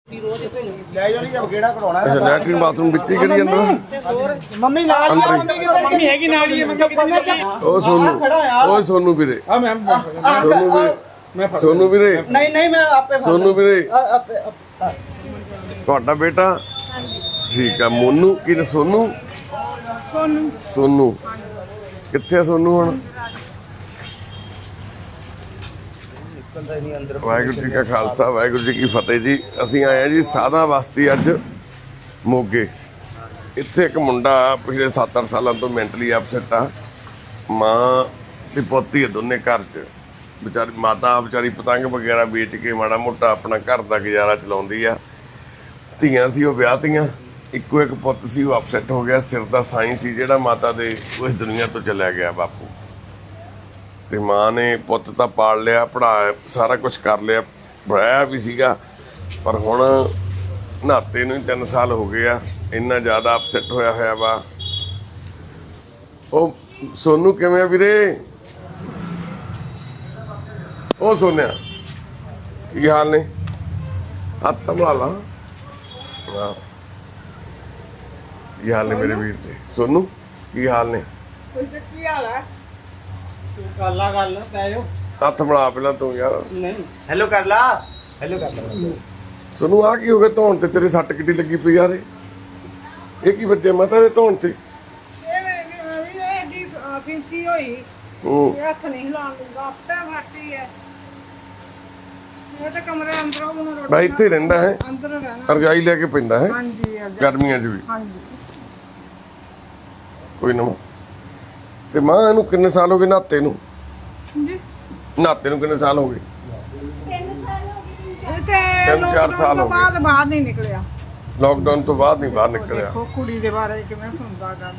Latrine bathroom बिच ही करी जांदा mummy नाल मम्मी हैगी नाल ही ओ सोनू वीरे सोनू वीरे नहीं मैं आपे सोनू वीरे ਤੁਹਾਡਾ बेटा ठीक है मोनू की सोनू सोनू कित्थे सोनू हुण वाहिगुरू जी का खालसा वाहिगुरू जी की फतेह जी। असीं आए हैं जी साधा बस्ती अज मोगे। इत्थे एक मुंडा पिछले 7-8 सालों तो मैंटली अपसैट आ। माँ ते पोती है दोने घर च। बेचारी माता बेचारी पतंग वगैरह बेच के माड़ा मोटा अपना घर का गुजारा चलाउंदी आ। धीआं सी वो विआहतियां, इक्को एक पुत्त सी वो अपसैट हो गया। सिर दा साईं सी जिहड़ा माता दे उस दुनिया तो चलिया गया बापू। ते माँ ने पुत्त तां पाल लिया, पढ़ाया, सारा कुछ कर लिया, पढ़ाया भी सीगा, पर हुण नहाते नूं 3 साल हो गए आ। इन्ना ज़्यादा अपसैट होया होया वा। ओ सोनू किवें आ वीरे? ओ सोनिया की हाल ने? हत्थ संभाल ला। बस की हाल ने मेरे वीर दे? सोनू की हाल ने? की हाल है तू गल्ला गल पै जाओ हत्थ बना पहला तू यार। नहीं हेलो कर ला सोनू आ की हो गया धौन ते? तेरे सट किड्डी लगी पई यार। ये की बच्चे माता दे धौन ते? फिंसी होई हत्थ नहीं हिलाउण दूंगा आपे फाटी है। ये तो कमरे अंदर रोटी भाई इत्थे रहिंदा है, अंदर रहना रजाई लेके पैंदा है हां जी गर्मियां च भी। हां जी कोई ना ते मां इनू किन्ने साल हो गए नहाते नू? जी नहाते नू किन्ने साल हो गए? 3-4 साल हो गए। बाद बाहर नहीं निकलिया। लॉकडाउन तो बाद नहीं बाहर निकलिया। देखो कुड़ी दे बारे किवें सुनदा गल।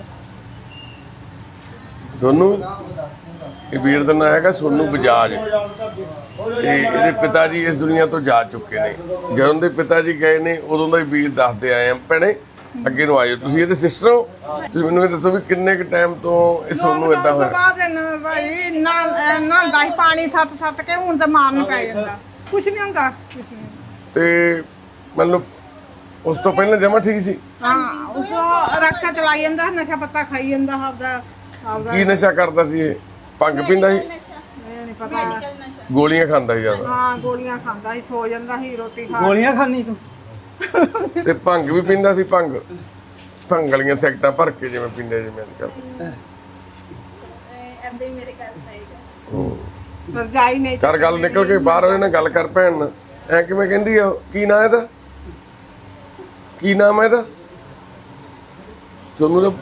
सोनू ये वीर दा नाम हैगा सोनू बजाज ते ਇਹਦੇ पिता जी इस दुनिया तो जा चुके ने। ਜਦੋਂ ਦੇ पिता जी गए ने ਉਦੋਂ ਦਾ ਹੀ ਵੀਰ ਦੱਸਦੇ ਆਏ ਆ। ਭੈਣੇ ਅੱਗੇ ਨੂੰ ਆਇਓ ਤੁਸੀਂ ਇਹਦੇ ਸਿਸਟਰ ਹੋ। ਤੁਸੀਂ ਮੈਨੂੰ ਇਹ ਦੱਸੋ ਵੀ ਕਿੰਨੇ ਕੁ ਟਾਈਮ ਤੋਂ ਇਹ ਸੋਨੂੰ ਇਦਾਂ ਹੋਇਆ? ਬਾਅਦ ਭਾਈ ਨਾ ਦਹੀਂ ਪਾਣੀ ਸੱਟ ਕੇ ਹੁਣ ਤੇ ਮਾਰਨ ਪੈ ਜਾਂਦਾ। ਕੁਛ ਨਹੀਂ ਹੁੰਦਾ ਕੁਛ ਨਹੀਂ। ਤੇ ਮਤਲਬ ਉਸ ਤੋਂ ਪਹਿਲਾਂ ਜਮਾ ਠੀਕ ਸੀ? ਹਾਂ ਉਸ ਰਕਸ਼ਾ ਚਲਾਈ ਜਾਂਦਾ, ਨਸ਼ਾ ਪੱਤਾ ਖਾਈ ਜਾਂਦਾ ਆਪਦਾ ਕੀ ਨਸ਼ਾ ਕਰਦਾ ਸੀ ਇਹ? ਭੰਗ ਪੀਂਦਾ ਸੀ? ਇਹ ਨਹੀਂ ਪਤਾ। ਗੋਲੀਆਂ ਖਾਂਦਾ ਸੀ ਜ਼ਿਆਦਾ? ਹਾਂ ਗੋਲੀਆਂ ਖਾਂਦਾ ਸੀ, ਸੋ ਜਾਂਦਾ ਸੀ, ਰੋਟੀ ਖਾ ਗੋਲੀਆਂ ਖਾਣੀ ਤੂੰ? ਤੇ ਭੰਗ ਵੀ ਪੀਂਦਾ ਸੀ? ਭੰਗ ਵਾਲੀਆਂ ਸੈਕਟਾਂ ਭਰ ਕੇ ਜਿਵੇਂ ਪੀਂਦੇ ਜਿਵੇਂ ਅੱਜ ਕੱਲ੍ਹ। ਐਂਦੇ ਮੇਰੇ ਘਰ ਸਹੀਗਾ ਰਜਾਈ ਨਹੀਂ ਕਰ ਗੱਲ ਨਿਕਲ ਕੇ ਬਾਹਰ ਉਹਨੇ ਗੱਲ ਕਰ ਭੈਣ ਨਾਲ। ਐ ਕਿਵੇਂ ਕਹਿੰਦੀ ਆ? ਕੀ ਨਾਂ ਇਹਦਾ? ਕੀ ਨਾਮ ਹੈ ਇਹਦਾ? ਸੋਨੂੰ ਦਾ?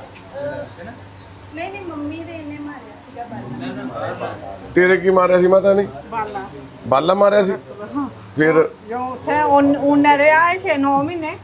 ਨਹੀਂ ਮੰਮੀ ਦੇ ਇਹਨੇ ਮਾਰਿਆ ਸੀਗਾ ਬਾਲਾ। ਤੇਰੇ ਕੀ ਮਾਰਿਆ ਸੀ ਮਾਤਾ ਨੇ? ਬਾਲਾ ਬਾਲਾ ਮਾਰਿਆ ਸੀ? ਫਿਰ ਜੋ ਉੱਥੇ ਉਹਨੇ ਰਿਹਾ ਹੈ 9 ਮਹੀਨੇ।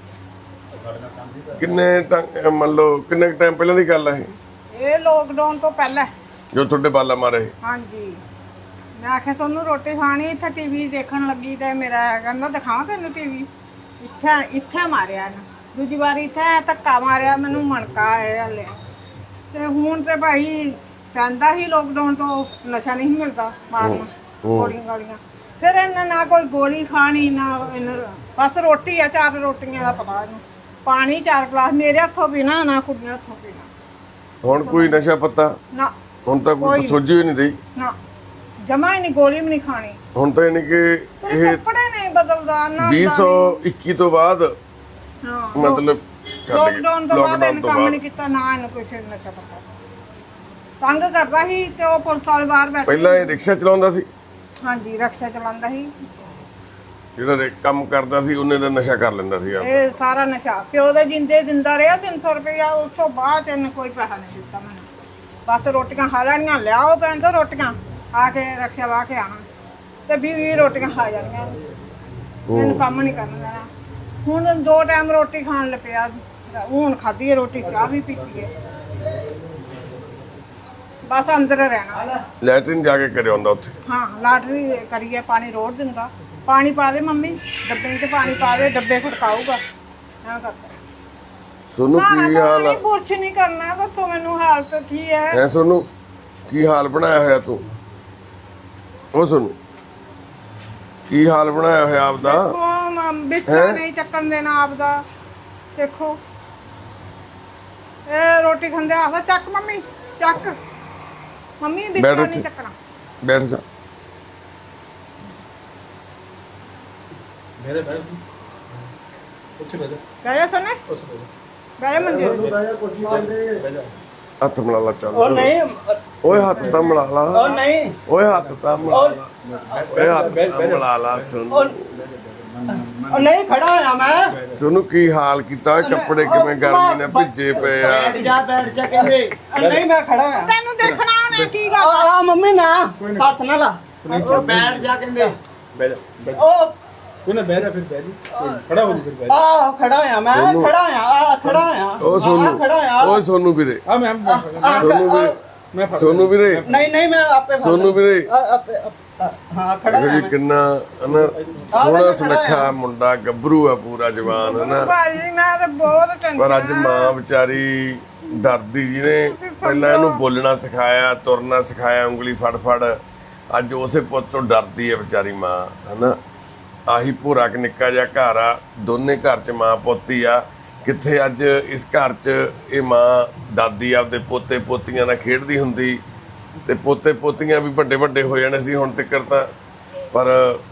ਕਿੰਨੇ ਮੰਨ ਲਓ ਕਿੰਨੇ ਟਾਈਮ ਪਹਿਲਾਂ ਦੀ ਗੱਲ ਹੈ ਇਹ ਲੋਕਡਾਊਨ ਤੋਂ ਪਹਿਲਾਂ ਜੋ ਤੁਹਾਡੇ ਬਾਲਾ ਮਾਰੇ? ਹਾਂਜੀ ਮੈਂ ਆਖਿਆ ਤੁਹਾਨੂੰ ਰੋਟੀ ਖਾਣੀ, ਇੱਥੇ ਟੀਵੀ ਦੇਖਣ ਲੱਗੀ ਤੇ ਮੇਰਾ ਕਹਿੰਦਾ ਦਿਖਾਵਾਂ ਤੈਨੂੰ ਟੀਵੀ। ਇੱਥੇ ਮਾਰਿਆ ਨਾ, ਦੂਜੀ ਵਾਰੀ ਇੱਥੇ ਧੱਕਾ ਮਾਰਿਆ, ਮੈਨੂੰ ਮਣਕਾ ਆਇਆ ਹਲੇ। ਤੇ ਹੁਣ ਤੇ ਭਾਈ ਕਹਿੰਦਾ ਸੀ ਲੋਕਡਾਊਨ ਤੋਂ ਨਸ਼ਾ ਨਹੀਂ ਮਿਲਦਾ ਮਾਰਨਾ, ਗੋਲੀਆਂ ਗਾਲੀਆਂ। ਫਿਰ ਇਹਨਾਂ ਨਾ ਕੋਈ ਗੋਲੀ ਖਾਣੀ ਨਾ ਬਸ ਰੋਟੀ ਆ, 4 ਰੋਟੀਆਂ ਦਾ ਪਤਾ ਇਹਨੂੰ। ਪਾਣੀ 4 ਗਲਾਸ ਮੇਰੇ ਹੱਥੋਂ ਪੀਣਾ, ਨਾ ਕੁੜੀਆਂ ਹੱਥੋਂ ਪੀਣਾ। ਹੁਣ ਕੋਈ ਨਸ਼ਾ ਪੱਤਾ ਨਾ ਹੁਣ ਤਾਂ ਕੋਈ ਸੋਝੀ ਹੀ ਨਹੀਂ ਰਹੀ ਨਾ, ਜਮਾ ਹੀ ਨਹੀਂ, ਗੋਲੀ ਵੀ ਨਹੀਂ ਖਾਣੀ। ਹੁਣ ਤਾਂ ਯਾਨੀ ਕਿ ਇਹ ਕੱਪੜੇ ਨਹੀਂ ਬਦਲਦਾ ਨਾ। 2021 ਤੋਂ ਬਾਅਦ ਹਾਂ ਮਤਲਬ ਲੋਕਡਾਊਨ ਤੋਂ ਬਾਅਦ ਇਹਨੇ ਕੰਮ ਨਹੀਂ ਕੀਤਾ, ਨਾ ਇਹਨੂੰ ਕੋਈ ਫਿਰ ਨਸ਼ਾ ਪਤਾ। ਤੰਗ ਕਰਦਾ ਸੀ ਤੇ ਉਹ ਪੁਲਿਸ ਵਾਲੇ ਬਾਹਰ ਬੈਠੇ। ਪਹਿਲਾਂ ਇਹ ਰਿਕਸ਼ਾ ਚਲਾਉਂਦਾ ਸੀ? ਹਾਂਜੀ ਰਕਸ਼ਾ ਚਲਾਉਂਦਾ ਸੀ। ਜਿਹੜਾ ਕੰਮ ਕਰਦਾ ਸੀ ਉਹਨੇ ਦਾ ਨਸ਼ਾ ਕਰ ਲੈਂਦਾ ਸੀ। ਇਹ ਸਾਰਾ ਨਸ਼ਾ ਪਿਓ ਦੇ ਜਿੰਦੇ ਦਿੰਦਾ ਰਿਹਾ 300 ਰੁਪਇਆ। ਉਸ ਤੋਂ ਬਾਅਦ ਇਹਨੇ ਕੋਈ ਪੈਸਾ ਨਹੀਂ ਦਿੱਤਾ ਮੈਨੂੰ। ਬਸ ਰੋਟੀਆਂ ਖਾ ਲੈਣੀਆਂ, ਲਿਆਓ ਪੈਣ ਤੋਂ ਰੋਟੀਆਂ, ਆ ਕੇ ਰਕਸ਼ਾ ਵਾਹ ਕੇ ਆਣਾ ਤੇ 20 ਰੋਟੀਆਂ ਖਾ ਜਾਣੀਆਂ। ਮੈਨੂੰ ਕੰਮ ਨਹੀਂ ਕਰਨ ਦੇਣਾ। ਹੁਣ 2 ਟਾਈਮ ਰੋਟੀ ਖਾਣ ਲੱਪਿਆ। ਹੁਣ ਖਾਧੀ ਹੈ ਰੋਟੀ, ਚਾਹ ਵੀ ਪੀਤੀ ਹੈ। ਬਸ ਅੰਦਰ ਰਹਿਣਾ। ਲੈਟਰਿਨ ਜਾ ਕੇ ਕਰਿਆ ਹੁੰਦਾ ਉੱਥੇ? ਹਾਂ ਲਾਟਰੀ ਕਰੀਏ, ਪਾਣੀ ਰੋੜ ਦਿੰਦਾ। ਪਾਣੀ ਪਾ ਦੇ ਮੰਮੀ ਡੱਬੇ 'ਚ, ਪਾਣੀ ਪਾ ਦੇ, ਡੱਬੇ ਖੜਕਾਊਗਾ ਐਂ ਕਰਦਾ। ਸੋਨੂੰ ਕੀ ਹਾਲ ਆ? ਕੁਛ ਨਹੀਂ ਕਰਨਾ, ਦੱਸੋ ਮੈਨੂੰ ਹਾਲਤ ਕੀ ਹੈ? ਐ ਸੋਨੂੰ ਕੀ ਹਾਲ ਬਣਾਇਆ ਹੋਇਆ ਤੂੰ? ਉਹ ਸੋਨੂੰ ਕੀ ਹਾਲ ਬਣਾਇਆ ਹੋਇਆ ਆਪਦਾ? ਬਿਸਤਰਾ ਨਹੀਂ ਚੱਕਣ ਦੇਣਾ ਆਪਦਾ। ਦੇਖੋ ਇਹ ਰੋਟੀ ਖਾਂਦੇ ਆਖਦਾ ਚੱਕ ਮੰਮੀ ਚੱਕ, ਮੰਮੀ ਬਿਸਤਰਾ ਨਹੀਂ ਚੱਕਣਾ। ਬੈਠ ਜਾ। ਮੇਰੇ ਬੈਠ ਉੱਥੇ ਬੈਠ ਗਏ ਸਨੇ ਗਏ ਮੰਜੇ ਬੈਠ ਜਾ। ਹੱਥ ਮਿਲਾ ਲਾ ਚੱਲ। ਉਹ ਨਹੀਂ ਓਏ ਹੱਥ ਤਾਂ ਮਿਲਾ ਲਾ। ਉਹ ਨਹੀਂ ਓਏ ਹੱਥ ਤਾਂ ਮਿਲਾ ਲਾ। ਓਏ ਹੱਥ ਤਾਂ ਮਿਲਾ ਲਾ। ਸੁਣ ਉਹ ਨਹੀਂ ਖੜਾ ਹੋਇਆ ਮੈਂ। ਸੁਣੂ ਕੀ ਹਾਲ ਕੀਤਾ, ਕੱਪੜੇ ਕਿਵੇਂ ਗਰਮੀ ਨੇ ਭਿੱਜੇ ਪਏ ਆ। ਬੈਠ ਜਾ ਕਹਿੰਦੇ। ਨਹੀਂ ਮੈਂ ਖੜਾ ਹੋਇਆ। ਤੈਨੂੰ ਦੇਖਣਾ ਉਹਨੇ ਕੀ ਗੱਲ ਆ ਮੰਮੀ ਨਾ ਹੱਥ ਨਾ ਲਾ। ਉਹ ਬੈਠ ਜਾ ਕਹਿੰਦੇ। ਬਹਿ ਜਾ ਉਹ ਕੋਈ ਨਾ ਬਹਿ ਜਾ ਫਿਰ ਬਹਿ ਜੀ ਖੜਾ ਹੋ ਜੀ ਫਿਰ ਬਹਿ ਜਾ ਆ ਖੜਾ ਹੋਇਆ ਮੈਂ। ਸੋਨੂੰ। ਖੜਾ ਹੋਇਆ ਆ ਖੜਾ ਹੋਇਆ। ਓ ਸੋਨੂੰ, ਖੜਾ ਹੋਇਆ। ਓਏ ਸੋਨੂੰ ਵੀਰੇ, ਆ ਮੈਂ ਸੋਨੂੰ ਵੀਰੇ, ਮੈਂ ਫੜ ਸੋਨੂੰ ਵੀਰੇ, ਨਹੀਂ ਮੈਂ ਆਪੇ ਫੜ ਸੋਨੂੰ ਵੀਰੇ। ਹਾਂ ਖੜਾ ਦੇਖੋ ਹੋਇਆ ਜੀ ਕਿੰਨਾ ਹਨਾ ਸੋਹਣਾ ਸੁਨੱਖਾ ਮੁੰਡਾ, ਗੱਭਰੂ ਆ ਪੂਰਾ ਜਵਾਨ ਹਨਾ। ਭਾਜੀ ਮੈਂ ਤਾਂ ਬਹੁਤ ਟੈਨਸ਼ਨ ਪਰ ਅੱਜ ਮਾਂ ਵਿਚਾਰੀ ਡਰਦੀ, ਜਿਹਨੇ ਪਹਿਲਾਂ ਇਹਨੂੰ ਬੋਲਣਾ ਸਿਖਾਇਆ, ਤੁਰਨਾ ਸਿਖਾਇਆ, ਉਂਗਲੀ ਫੜ ਫੜ, ਅੱਜ ਉਸੇ ਪੁੱਤ ਤੋਂ ਡਰਦੀ ਹੈ ਵਿਚਾਰੀ ਮਾਂ ਹਨਾ। ਆਹੀ ਭੂਰਾ ਕਿ ਨਿੱਕਾ ਜਿਹਾ ਘਰ ਆ, ਦੋਨੇ ਘਰ 'ਚ ਮਾਂ ਪੁੱਤ ਹੀ ਆ। ਕਿੱਥੇ ਅੱਜ ਇਸ ਘਰ 'ਚ ਇਹ ਮਾਂ ਦਾਦੀ ਆਪਦੇ ਪੋਤੇ ਪੋਤੀਆਂ ਨਾਲ ਖੇਡਦੀ ਹੁੰਦੀ ਤੇ ਪੋਤੇ ਪੋਤੀਆਂ ਵੀ ਵੱਡੇ ਵੱਡੇ ਹੋ ਜਾਣੇ ਸੀ ਹੁਣ ਤੱਕ ਤਾਂ। ਪਰ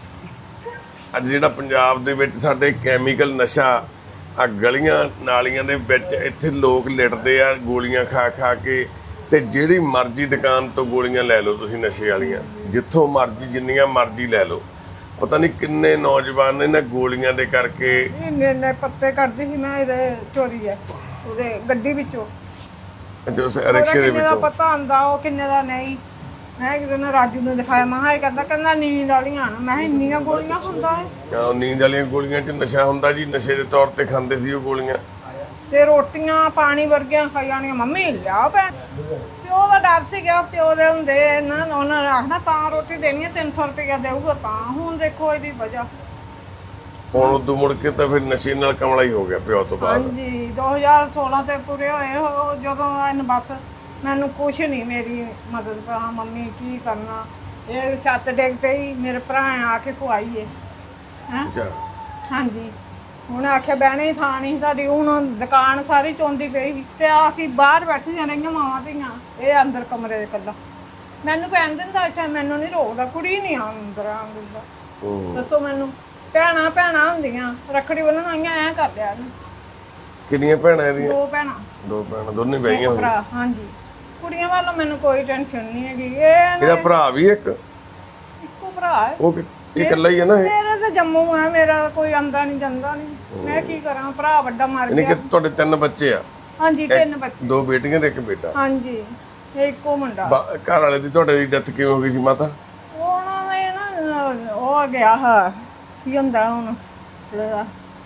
ਅੱਜ ਜਿਹੜਾ ਪੰਜਾਬ ਦੇ ਵਿੱਚ ਸਾਡੇ ਕੈਮੀਕਲ ਨਸ਼ਾ ਆ ਗਲੀਆਂ ਨਾਲੀਆਂ ਦੇ ਵਿੱਚ, ਇੱਥੇ ਲੋਕ ਲਿਟਦੇ ਆ ਗੋਲੀਆਂ ਖਾ ਖਾ ਕੇ। ਤੇ ਜਿਹੜੀ ਮਰਜ਼ੀ ਦੁਕਾਨ ਤੋਂ ਗੋਲੀਆਂ ਲੈ ਲਓ ਤੁਸੀਂ ਨਸ਼ੇ ਵਾਲੀਆਂ, ਜਿੱਥੋਂ ਮਰਜ਼ੀ ਜਿੰਨੀਆਂ ਮਰਜ਼ੀ ਲੈ ਲਓ। ਪਤਾ ਨਹੀਂ ਕਿੰਨੇ ਨੌਜਵਾਨ ਇਹਨਾਂ ਗੋਲੀਆਂ ਦੇ ਕਰਕੇ ਇੰਨੇ ਪੱਤੇ ਕੱਢਦੀ ਸੀ ਮੈਂ ਇਹਦੇ ਚੋਰੀ ਹੈ ਉਹਦੇ ਗੱਡੀ ਵਿੱਚੋਂ। ਉਸ ਰਿਕਸ਼ੇ ਦੇ ਕਿੰਨੇ ਦਾ ਵਿੱਚੋਂ ਪਤਾ ਹੁੰਦਾ ਉਹ ਕਿੰਨੇ ਦਾ ਨਹੀਂ। ਮੈਂ ਕਿਤੇ ਨੇ ਰਾਜੂ ਨੂੰ ਦਿਖਾਇਆ, ਮੈਂ ਕਿਹਾ ਇਹ ਕਹਿੰਦਾ ਨੀਂਦ ਵਾਲੀਆਂ ਆਣ। ਮੈਂ ਕਿਹਾ ਇੰਨੀਆਂ ਗੋਲੀਆਂ ਹੁੰਦਾ ਹੈ। ਨੀਂਦ ਵਾਲੀਆਂ ਗੋਲੀਆਂ 'ਚ ਨਸ਼ਾ ਹੁੰਦਾ ਜੀ, ਨਸ਼ੇ ਦੇ ਤੌਰ ਤੇ ਖਾਂਦੇ ਸੀ ਉਹ ਗੋਲੀਆਂ। ਤੇ ਰੋਟੀਆਂ ਪਾਣੀ ਵਰਗੀਆਂ ਖਾਈ ਜਾਣੀਆਂ। ਮੰਮੀ ਲਿਆ ਭੈਣ, ਪਿਓ ਦਾ ਡਰ ਸੀਗਾ, ਪਿਓ ਦੇ ਹੁੰਦੇ ਇਹਨਾਂ ਉਹਨਾਂ ਨੇ ਆਖਣਾ ਤਾਂ ਰੋਟੀ ਦੇਣੀ ਹੈ 300 ਰੁਪਇਆ ਦੇਊਗਾ ਤਾਂ। ਹੁਣ ਦੇਖੋ ਇਹਦੀ ਵਜ੍ਹਾ। ਹੁਣ ਉਦੋਂ ਮੁੜ ਕੇ ਤਾਂ ਫਿਰ ਨਸ਼ੇ ਨਾਲ ਕਮਲਾ ਹੀ ਹੋ ਗਿਆ ਪਿਓ ਤੋਂ ਬਾਅਦ। ਹਾਂਜੀ 2016 ਤੇ ਪੂਰੇ ਹੋਏ ਉਹ ਜਦੋਂ ਇਹਨ ਬਸ ਮੈਨੂੰ ਕੁਛ ਨਹੀਂ ਮੇਰੀ ਮਦਦ ਕਰਾ। ਮੰਮੀ ਕੀ ਕਰਨਾ, ਇਹ ਛੱਤ ਡਿੱਗ ਪਈ, ਮੇਰੇ ਭਰਾ ਆ ਕੇ ਖਵਾਈਏ ਹੈਂ। ਅੱਛਾ ਹਾਂਜੀ ਹੁਣ ਆਖਿਆ ਬਹਿਣੇ ਥਾਂ ਨਹੀਂ ਸਾਡੀ। ਹੁਣ ਦੁਕਾਨ ਸਾਰੀ ਚੋਂਦੀ ਪਈ ਸੀ ਤੇ ਅਸੀਂ ਬਾਹਰ ਬੈਠੀਆਂ ਰਹੀਆਂ ਮਾਵਾਂ ਧੀਆਂ, ਇਹ ਅੰਦਰ ਕਮਰੇ ਦੇ ਇਕੱਲਾ। ਮੈਨੂੰ ਕਹਿਣ ਦਿੰਦਾ ਅੱਛਾ, ਮੈਨੂੰ ਨਹੀਂ ਰੋਕਦਾ, ਕੁੜੀ ਨਹੀਂ ਅੰਦਰ ਆਉਣ ਦਿੰਦਾ। ਦੱਸੋ ਮੈਨੂੰ, ਭੈਣਾਂ ਹੁੰਦੀਆਂ ਰੱਖੜੀ ਬੰਨ੍ਹਣ ਆਈਆਂ ਐਂ ਕਰ ਲਿਆ ਇਹਨੇ। ਕਿੰਨੀਆਂ ਭੈਣਾਂ ਇਹਦੀਆਂ? ਦੋ ਭੈਣਾਂ ਦੋਨੇ ਬਹਿਆਂ ਹੋਈਆਂ। ਭਰਾ ਹਾਂਜੀ। ਕੁੜੀਆਂ ਵੱਲੋਂ ਮੈਨੂੰ ਕੋਈ ਟੈਨਸ਼ਨ ਨਹੀਂ ਹੈਗੀ। ਇਹ ਇਹਦਾ ਭਰਾ ਵੀ ਇੱਕ ਇੱਕੋ ਭਰਾ ਹੈ। ਉਹ ਇਹ ਇਕੱਲਾ ਹੀ ਹੈ ਨਾ ਇਹ? ਮੇਰਾ ਤਾਂ ਜੰਮੂ ਹੈ, ਮੇਰਾ ਕੋਈ ਆਂਦਾ ਨਹੀਂ ਜਾਂਦਾ ਨਹੀਂ। ਮੈਂ ਕੀ ਕਰਾਂ, ਭਰਾ ਵੱਡਾ ਮਰ ਯਾਨੀ ਗਿਆ। ਕਿ ਤੁਹਾਡੇ 3 ਬੱਚੇ ਆ? ਹਾਂਜੀ 3 ਬੱਚੇ। 2 ਬੇਟੀਆਂ ਤੇ 1 ਬੇਟਾ। ਹਾਂਜੀ ਇਹ ਇੱਕੋ ਮੁੰਡਾ। ਘਰ ਵਾਲੇ ਦੀ ਤੁਹਾਡੇ ਦੀ ਡੈਥ ਕਿਵੇਂ ਹੋ ਗਈ ਸੀ ਮਾਤਾ? ਉਹਨਾਂ ਨੇ ਨਾ ਉਹ ਗਿਆ ਹਾਂ ਕੀ ਹੁੰਦਾ ਹੁਣ ਇਹਦਾ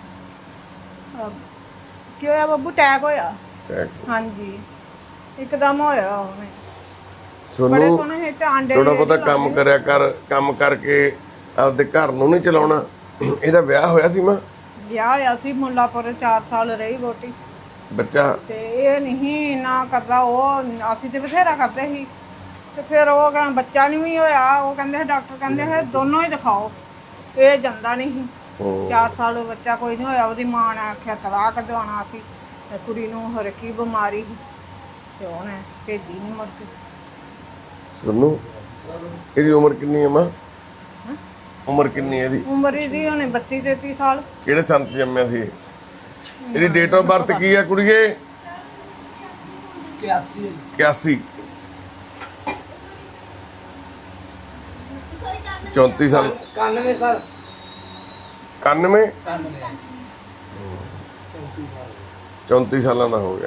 ਕੀ ਹੋਇਆ ਬੱਬੂ, ਅਟੈਕ ਹੋਇਆ। ਹਾਂਜੀ ਇੱਕਦਮ ਹੋਇਆ ਉਹਨੇ। ਬੜੇ ਸੋਨੂੰ ਸੋਹਣੇ ਸੀ ਤੇ ਆਂਡੇ ਥੋੜਾ ਬਹੁਤਾ ਕੰਮ ਕਰਿਆ ਕਰ, ਕੰਮ ਕਰਕੇ ਆਪਦੇ ਘਰ ਨੂੰ ਨਹੀਂ ਚਲਾਉਣਾ। ਇਹਦਾ ਵਿਆਹ ਹੋਇਆ ਸੀ ਮਾਂ? ਵਿਆਹ ਹੋਇਆ ਸੀ ਮੁੱਲਾਪੁਰ, 4 ਸਾਲ ਰਹੀ ਵੋਟੀ। ਬੱਚਾ ਤੇ ਇਹ ਨਹੀਂ ਨਾ ਕਰਦਾ, ਉਹ ਅਸੀਂ ਤੇ ਬਥੇਰਾ ਕਰਦੇ ਸੀ। ਤੇ ਫਿਰ ਉਹ ਕਹਿੰਦਾ ਬੱਚਾ ਨਹੀਂ ਵੀ ਹੋਇਆ। ਉਹ ਕਹਿੰਦੇ ਡਾਕਟਰ ਕਹਿੰਦੇ ਹੈ ਦੋਨੋਂ ਹੀ ਦਿਖਾਓ। ਇਹ ਜਾਂਦਾ ਨਹੀਂ ਸੀ। 4 ਸਾਲ ਬੱਚਾ ਕੋਈ ਨਹੀਂ ਹੋਇਆ। ਉਹਦੀ ਮਾਂ ਨੇ ਆਖਿਆ ਤਲਾਕ ਕਢਵਾਉਣਾ ਸੀ ਤੇ ਕੁੜੀ ਨੂੰ ਹੋਰ ਕੀ ਬਿਮਾਰੀ ਸੀ ਤੇ ਉਹਨੇ ਭੇਜੀ ਨਹੀਂ ਮੁੜ ਕੇ। ਸੋਨੂੰ ਇਹਦੀ ਉਮਰ ਕਿੰਨੀ ਹੈ ਮਾਂ? ਉਮਰ ਕਿੰਨੀ ਹੈ ਇਹਦੀ? ਉਮਰ ਇਹਦੀ ਹੋਣੀ 32-33 ਸਾਲ। ਕਿਹੜੇ ਸੰਨ 'ਚ ਜੰਮਿਆ ਸੀ? ਇਹਦੀ ਡੇਟ ਆਫ ਬਰਥ ਕੀ ਹੈ ਕੁੜੀਏ? 81 34 ਸਾਲ 91 ਸਰ 91 34 ਸਾਲਾਂ ਦਾ ਹੋ ਗਿਆ।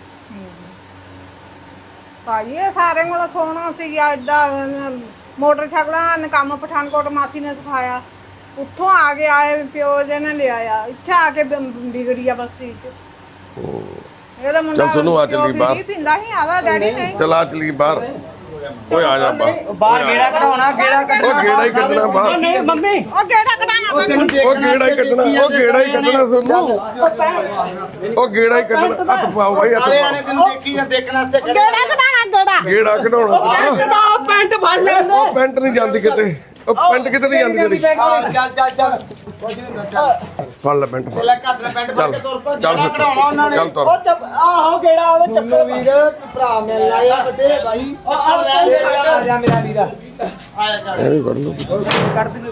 ਭਾਜੀ ਇਹ ਸਾਰੇ ਕੋਲ ਸੋਹਣਾ ਸੀ। ਐਡਾ ਮੋਟਰਸਾਈਕਲਾਂ ਨੇ ਕੰਮ ਪਠਾਨਕੋਟ ਮਾਸੀ ਨੇ ਸਿਖਾਇਆ। ਉੱਥੋਂ ਆ ਕੇ ਆਏ ਪਿਓ ਜੀ ਨੇ ਲਿਆਇਆ, ਇੱਥੇ ਆ ਕੇ ਵਿਗੜੀ ਆ ਬਸਤੀ ਚ। ਇਹਦਾ ਮੁੰਡਾ ਚੱਲ ਸੁਣੋ, ਆ ਚੱਲੀ ਬਾਹਰ। ਪੀਂਦਾ ਸੀ ਆਦਾ ਡੈਡੀ ਨਹੀਂ। ਚਲ ਆ ਚਲੀ ਬਾਹਰ। ਓਏ ਆ ਜਾ ਬਾਹਰ। ਬਾਹਰ ਗੇੜਾ ਕਢਾਉਣਾ, ਗੇੜਾ ਉਹ ਗੇੜਾ ਹੀ ਕੱਢਣਾ ਬਾਹਰ। ਨਹੀਂ ਮੰਮੀ ਉਹ ਗੇੜਾ ਕਢਾਣਾ ਉਹ ਗੇੜਾ ਹੀ ਕੱਢਣਾ, ਉਹ ਗੇੜਾ ਹੀ ਕੱਢਣਾ ਸੋਨੂੰ। ਉਹ ਗੇੜਾ ਹੀ ਕੱਢਣਾ। ਹੱਥ ਪਾਓ ਬਾਈ, ਹੱਥ ਸਾਰੇ ਆਣੇ ਪਾਓ। ਤੈਨੂੰ ਦੇਖੀ ਜਾਂ ਦੇਖਣ ਵਾਸਤੇ ਗੇੜਾ ਕਢਾਣਾ ਗੇੜਾ। ਗੇੜਾ ਕਢਾਉਣਾ। ਪੈਂਟ ਫੜ ਲੈਂਦੇ। ਉਹ ਪੈਂਟ ਨਹੀਂ ਜਾਂਦੀ ਕਿਤੇ। ਉਹ ਪੈਂਟ ਕਿੱਥੇ ਦੀ ਜਾਂਦੀ ਤੇਰੀ ਚੱਲ ਚੱਲ ਚੱਲ ਫੜ ਲੈ ਪੈਂਟ ਫੜ ਲੈ ਘੱਟ ਲੈ ਪੈਂਟ ਪਾ ਕੇ ਤੁਰ ਪਾ ਚੱਲ ਫਿਰ। ਕਢਾਉਣਾ ਉਹਨਾਂ ਨੇ ਚੱਲ ਤੁਰ। ਉਹ ਚੱਪ ਆਹੋ ਕਿਹੜਾ ਉਹਦੇ ਚੱਪਲ ਵੀਰ ਭਰਾ ਮਿਲ ਆਇਆ ਵੱਡੇ ਭਾਈ ਆ ਜਾ ਮੇਰਾ ਵੀਰ ਆਇਆ ਚੱਲ ਇਹ ਵੀ ਕੱਢ ਲਓ ਕੱਢ ਦੇ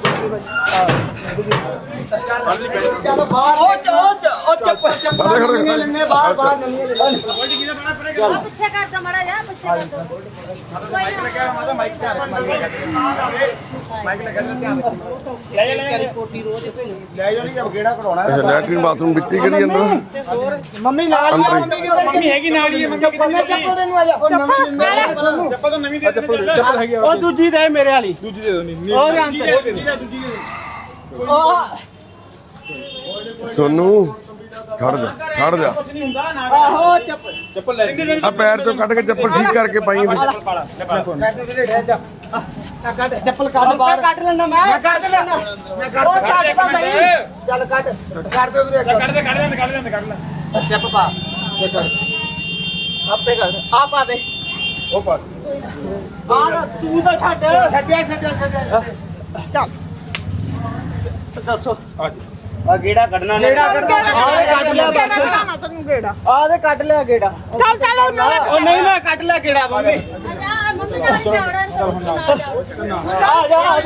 ਚੱਲ ਬਾਹਰ ਉਹ ਚੱਪਲ ਨਵੀਆਂ ਲੈਣੇ ਬਾਹਰ ਨਵੀਆਂ ਲੈ ਲੈ ਪਿੱਛੇ ਕਰ ਦੋ ਮੜਾ ਜਾ ਪਿੱਛੇ ਕਰ ਦੋ ਲੈ ਜਾਣੀ ਜਬ ਗੇੜਾ ਕਢਾਉਣਾ ਇਹ ਲੈਟਰਿਨ ਬਾਥਰੂਮ ਵਿੱਚ ਹੀ ਕਰੀ ਜਾਂਦਾ ਮੰਮੀ ਨਾਲ ਅੰਦਰ ਹੀ। ਮੰਮੀ ਹੈਗੀ ਨਾਲ ਹੀ ਮੰਮੀ ਚੱਪਲ ਦੇ ਨੂੰ ਆ ਜਾ ਉਹ ਨਵੀਂ ਲੈਣੇ ਸਾਨੂੰ ਚੱਪਲ ਤਾਂ ਨਵੀਂ ਦੇ ਦੇ ਚੱਪਲ ਹੈਗੀ ਉਹ ਦੂਜੀ ਦੇ ਮੇਰੇ ਵਾਲੀ ਦੂਜੀ ਦੇ ਦੋ ਨਹੀਂ ਉਹ ਉਹ ਸੋਨੂ ਖੜ ਜਾ ਆਹੋ ਚੱਪਲ ਚੱਪਲ ਲੈ ਲਈ ਆ ਪੈਰ ਚੋਂ ਕੱਢ ਕੇ ਚੱਪਲ ਠੀਕ ਕਰਕੇ ਪਾਈ ਇਹਦੇ। ਚੱਪਲ ਕੱਢ ਬਾਹਰ ਕੱਢ ਲੈਣਾ ਮੈਂ ਕੱਢ ਲੈਣਾ ਮੈਂ ਕੱਢ ਉਹ ਛੱਡਦਾ ਨਹੀਂ ਚੱਲ ਕੱਢ ਛੱਡ ਦੇ ਵੀਰੇ ਕੱਢ ਲੈ ਸਟੈਪ ਪਾ ਆਪੇ ਕਰ ਆ ਪਾ ਦੇ ਉਹ ਪਾ ਆ ਤੂੰ ਤਾਂ ਛੱਡਿਆ ਚੱਲ ਦੱਸੋ ਆ ਜੀ ਆ ਗੇੜਾ ਕੱਢਣਾ ਨੇ ਗੇੜਾ ਕੱਢ ਲਿਆ ਕੱਢਣਾ ਤੈਨੂੰ ਗੇੜਾ ਆ ਤੇ ਕੱਢ ਲਿਆ ਗੇੜਾ ਚੱਲ ਚੱਲ ਉਹ ਨਹੀਂ ਮੈਂ ਕੱਢ ਲਿਆ ਗੇੜਾ ਮੰਮੀ ਮੰਮੀ ਨਾਲ ਜਾਣਾ ਆ ਜਾ